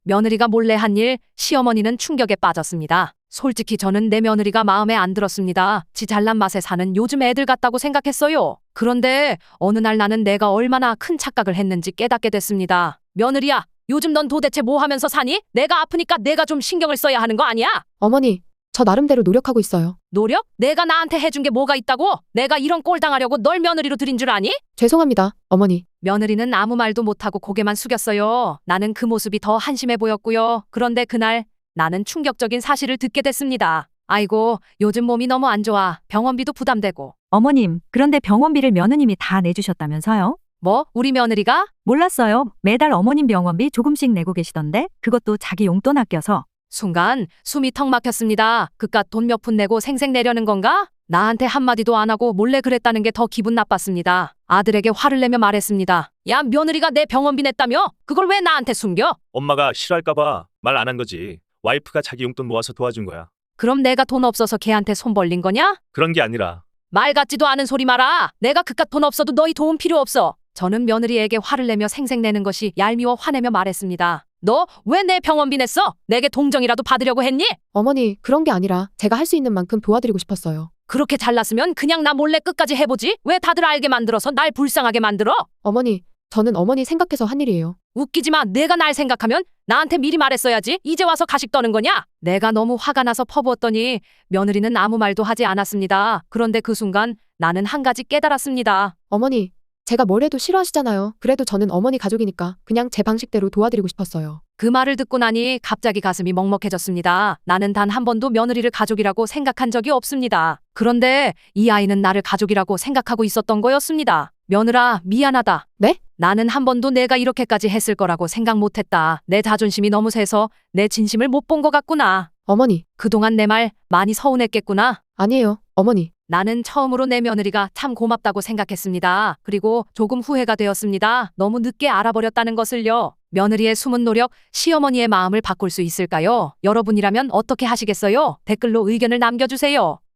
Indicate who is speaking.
Speaker 1: 며느리가 몰래 한 일, 시어머니는 충격에 빠졌습니다. 솔직히 저는 내 며느리가 마음에 안 들었습니다. 지 잘난 맛에 사는 요즘 애들 같다고 생각했어요. 그런데 어느 날 나는 내가 얼마나 큰 착각을 했는지 깨닫게 됐습니다. 며느리야, 요즘 넌 도대체 뭐 하면서 사니? 내가 아프니까 내가 좀 신경을 써야 하는 거 아니야?
Speaker 2: 어머니, 저 나름대로 노력하고 있어요.
Speaker 1: 노력? 내가 나한테 해준 게 뭐가 있다고? 내가 이런 꼴 당하려고 널 며느리로 들인 줄 아니?
Speaker 2: 죄송합니다, 어머니.
Speaker 1: 며느리는 아무 말도 못하고 고개만 숙였어요. 나는 그 모습이 더 한심해 보였고요. 그런데 그날 나는 충격적인 사실을 듣게 됐습니다. 아이고, 요즘 몸이 너무 안 좋아. 병원비도 부담되고.
Speaker 3: 어머님, 그런데 병원비를 며느님이 다 내주셨다면서요?
Speaker 1: 뭐? 우리 며느리가?
Speaker 3: 몰랐어요. 매달 어머님 병원비 조금씩 내고 계시던데 그것도 자기 용돈 아껴서.
Speaker 1: 순간 숨이 턱 막혔습니다. 그깟 돈 몇 푼 내고 생색 내려는 건가? 나한테 한마디도 안 하고 몰래 그랬다는 게 더 기분 나빴습니다. 아들에게 화를 내며 말했습니다. 야, 며느리가 내 병원비 냈다며? 그걸 왜 나한테 숨겨?
Speaker 4: 엄마가 싫어할까봐 말 안 한 거지. 와이프가 자기 용돈 모아서 도와준 거야.
Speaker 1: 그럼 내가 돈 없어서 걔한테 손 벌린 거냐?
Speaker 4: 그런 게 아니라
Speaker 1: 말 같지도 않은 소리 마라. 내가 그깟 돈 없어도 너희 도움 필요 없어. 저는 며느리에게 화를 내며 생색내는 것이 얄미워 화내며 말했습니다. 너 왜 내 병원비 냈어? 내게 동정이라도 받으려고 했니?
Speaker 2: 어머니, 그런 게 아니라 제가 할 수 있는 만큼 도와드리고 싶었어요.
Speaker 1: 그렇게 잘났으면 그냥 나 몰래 끝까지 해보지. 왜 다들 알게 만들어서 날 불쌍하게 만들어?
Speaker 2: 어머니, 저는 어머니 생각해서 한 일이에요.
Speaker 1: 웃기지 마. 내가 날 생각하면 나한테 미리 말했어야지. 이제 와서 가식 떠는 거냐? 내가 너무 화가 나서 퍼부었더니 며느리는 아무 말도 하지 않았습니다. 그런데 그 순간 나는 한 가지 깨달았습니다.
Speaker 2: 어머니, 제가 뭘 해도 싫어하시잖아요. 그래도 저는 어머니 가족이니까 그냥 제 방식대로 도와드리고 싶었어요.
Speaker 1: 그 말을 듣고 나니 갑자기 가슴이 먹먹해졌습니다. 나는 단 한 번도 며느리를 가족이라고 생각한 적이 없습니다. 그런데 이 아이는 나를 가족이라고 생각하고 있었던 거였습니다. 며느라, 미안하다.
Speaker 2: 네?
Speaker 1: 나는 한 번도 내가 이렇게까지 했을 거라고 생각 못했다. 내 자존심이 너무 세서 내 진심을 못 본 것 같구나.
Speaker 2: 어머니,
Speaker 1: 그동안 내 말 많이 서운했겠구나.
Speaker 2: 아니에요, 어머니.
Speaker 1: 나는 처음으로 내 며느리가 참 고맙다고 생각했습니다. 그리고 조금 후회가 되었습니다. 너무 늦게 알아버렸다는 것을요. 며느리의 숨은 노력, 시어머니의 마음을 바꿀 수 있을까요? 여러분이라면 어떻게 하시겠어요? 댓글로 의견을 남겨주세요.